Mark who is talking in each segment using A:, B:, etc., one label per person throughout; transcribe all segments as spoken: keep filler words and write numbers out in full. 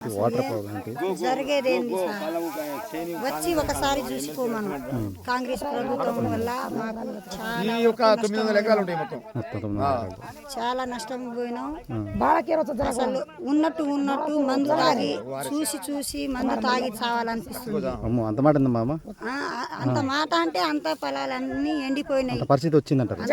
A: Water problem
B: జరిగేదేంది sir వచ్చి ఒకసారి చూసుకోమను. కాంగ్రెస్ ప్రభుత్వం వల్ల మాకు చాలా చాలా నష్టం పోయినాం. అసలు ఉన్నట్టు ఉన్నట్టు మందు తాగి చూసి చూసి మందు తాగి చావాలనిపిస్తుంది.
A: అంత మాట ఉంది మామ.
B: ఆ, అంత మాట అంటే అంత పొలాలన్నీ ఎండిపోయినాయి.
A: పరిస్థితి వచ్చిందంటారు.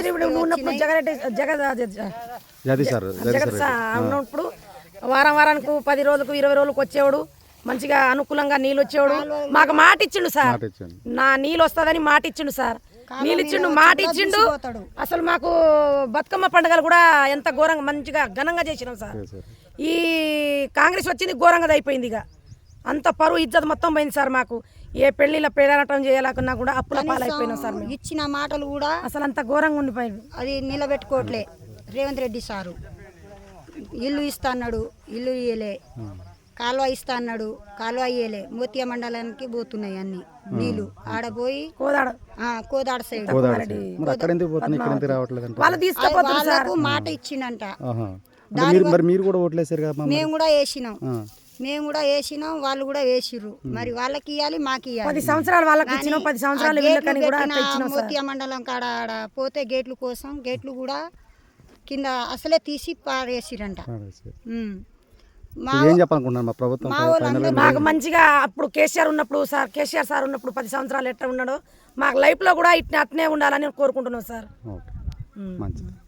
C: ఉన్నప్పుడు వారం వారానికి పది రోజులకు ఇరవై రోజులకు వచ్చేవాడు. మంచిగా అనుకూలంగా నీళ్ళు వచ్చేవాడు. మాకు మాట ఇచ్చిండు సార్, నా నీళ్ళు వస్తుందని మాట ఇచ్చిండు సార్. నీళ్ళు ఇచ్చిండు, మాట ఇచ్చిండు. అసలు మాకు బతుకమ్మ పండుగలు కూడా ఎంత ఘోరంగా మంచిగా ఘనంగా చేసినాం సార్. ఈ కాంగ్రెస్ వచ్చింది ఘోరంగా అయిపోయింది. ఇక అంత పరువు ఇజ్జత్ మొత్తం పోయింది సార్. మాకు ఏ పెళ్లిలో పేదనటం చేయాలన్నా కూడా అప్పుల పాలైపోయినాం సార్.
B: ఇచ్చిన మాటలు కూడా
C: అసలు అంత ఘోరంగా ఉండిపోయింది.
B: అది నిలబెట్టుకోవట్లే. రేవంత్ రెడ్డి సారు ఇల్లు ఇస్తా అన్నాడు, ఇల్లు ఇయ్యలే. కాలువ ఇస్తా అన్నాడు, కాలువ ఇయ్యలే. మోతియా మండలానికి పోతున్నాయి అన్ని నీళ్లు. ఆడపోయి
C: కోదాడ
B: కోదాడ సైడ్ వాళ్ళకు మాట ఇచ్చిండంట.
A: మీరు కూడా ఓట్లేసారు కదా?
B: మేము కూడా వేసినాం, మేము కూడా వేసినాం, వాళ్ళు కూడా వేసిర్రు. మరి వాళ్ళకి ఇవ్వాలి, మాకు ఇవ్వాలి.
C: పది సంవత్సరాలు వాళ్ళకి ఇచ్చినాం, పది సంవత్సరాలు
B: మోతియా మండలం కాడ ఆడ పోతే గేట్లు కోసం గేట్లు కూడా కింద అసలే తీసి పారేసిరంట.
C: మాకు మంచిగా అప్పుడు కేసీఆర్ ఉన్నప్పుడు సార్, కేసీఆర్ సార్ ఉన్నప్పుడు పది సంవత్సరాలు ఎట్లా ఉన్నాడో మాకు లైఫ్ లో కూడా ఇట్లా అట్నే ఉండాలని కోరుకుంటున్నాం సార్.